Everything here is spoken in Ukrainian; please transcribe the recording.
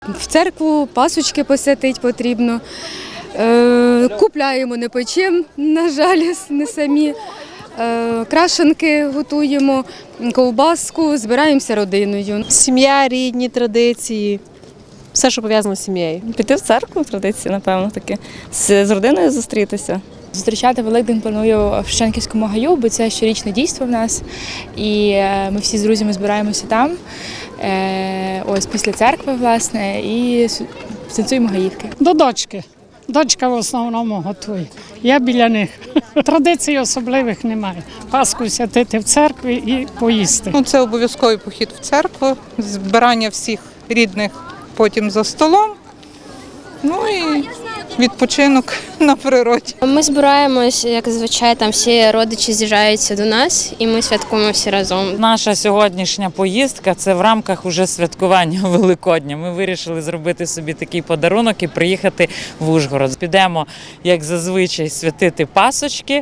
В церкву пасочки посвятити потрібно. Купляємо, не печемо, на жаль, не самі. Крашенки готуємо, ковбаску, збираємося родиною. Сім'я, рідні, традиції, все, що пов'язано з сім'єю. Піти в церкву, традиції, напевно, таки. З родиною зустрітися. Зустрічати Великдень планую в Шевченківському гаю, бо це щорічне дійство в нас. І ми всі з друзями збираємося там, ось після церкви, власне, і танцюємо гаївки. До дочки. Дочка в основному готує. Я біля них. Традицій особливих немає. Пасху святити в церкві і поїсти. Це обов'язковий похід в церкву, збирання всіх рідних потім за столом, і відпочинок на природі. Ми збираємось, як зазвичай, там всі родичі з'їжджаються до нас і ми святкуємо всі разом. Наша сьогоднішня поїздка – це в рамках уже святкування Великодня. Ми вирішили зробити собі такий подарунок і приїхати в Ужгород. Підемо, як зазвичай, святити пасочки.